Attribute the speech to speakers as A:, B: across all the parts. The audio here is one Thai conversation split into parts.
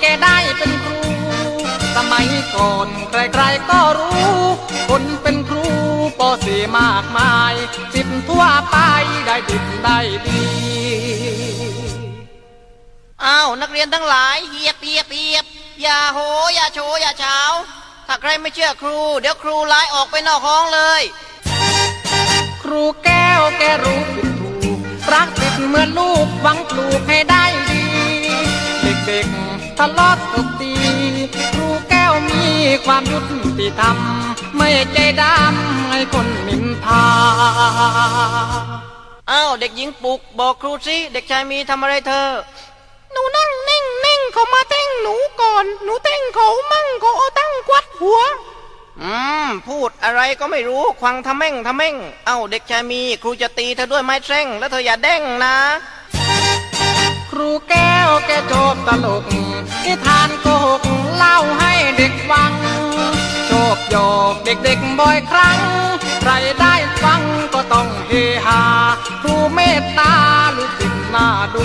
A: แกได้เป็นครูสมัยก่อนใครๆก็รู้คนเป็นครูปอสีมากมายสิบทั่วไปได้ดิบได้ดี
B: อ้าวนักเรียนทั้งหลายเฮียบเฮียบเฮียบอย่าโหอย่าโชอย่าเช้าถ้าใครไม่เชื่อครูเดี๋ยวครูไล่ออกไปนอกห้องเลย
A: ครูแก้วแกรู้ผิดถูกรักติดเหมือนลูกหวังปลูกให้ได้ดีเด็กๆทะเลาะตบตีครูแก้วมีความยุติธรรมไม่ใจดำให้คนนินทา
B: อ้าวเด็กหญิงปุกบอกครูสิเด็กชายมีทำอะไรเธอ
A: หนูนั่งนิ่งเขามาเต้งหนูก่อนหนูเต้งเขามั่งเขาเอาตั้งกวัดหัว
B: พูดอะไรก็ไม่รู้ควังทำแม่งเอ้าเด็กชายมีครูจะตีเธอด้วยไม้แทร่งแล้วเธออย่าแด้งนะ
A: ครูแก้วแกโจบตลกนิทานโกหกเล่าให้เด็กฟังโชคโยกเด็กบ่อยครั้งใครได้ฟังก็ต้องเฮฮาครูเมตตาลูกศิษย์น่าดู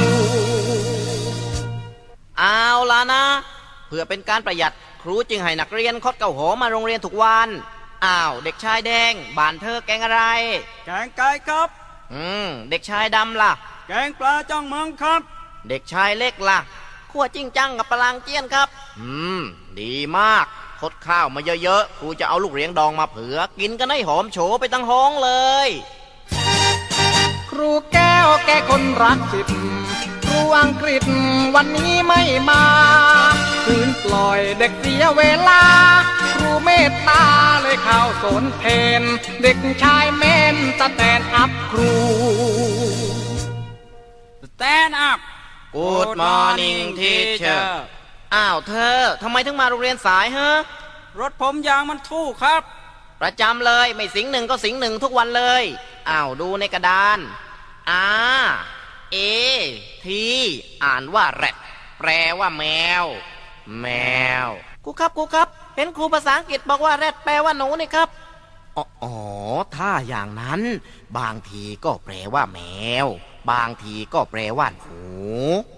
B: เอาล่ะนะเพื่อเป็นการประหยัดครูจึงให้นักเรียนคดเก่าหอมาโรงเรียนทุกวันอ้าวเด็กชายแดงบ้านเธอแกงอะไร
C: แกงไก่ครับ
B: เด็กชายดำล่ะ
C: แกงปลาจ้องเมืองครับ
B: เด็กชายเล็กล่ะขั่วจิ้งจังกับปลางเจี้ยนครับดีมากคดข้าวมาเยอะๆครูจะเอาลูกเลี้ยงดองมาเผื่อกินกันให้หอมโฉไปตั้งห้องเลย
A: ครูแก้วแกคนรักจิตครูอังกฤษวันนี้ไม่มาคืนปล่อยเด็กเสียเวลาครูเมตตาเลยเข้าสนเพนเด็กชายเมนสแตนอัพครู
C: Stand up
B: Good morning teacher อ้าวเธอทำไมถึงมาโรงเรียนสายฮะ
C: รถผมยางมันทู่ครับ
B: ประจำเลยไม่สิงหนึ่งก็สิงหนึ่งทุกวันเลยอ้าวดูในกระดานทีอ่านว่าแรดแปลว่าแมวครูครับเห็นครูภาษาอังกฤษบอกว่าแรดแปลว่าหนูนี่ครับอ๋อถ้าอย่างนั้นบางทีก็แปลว่าแมวบางทีก็แปลว่าหนู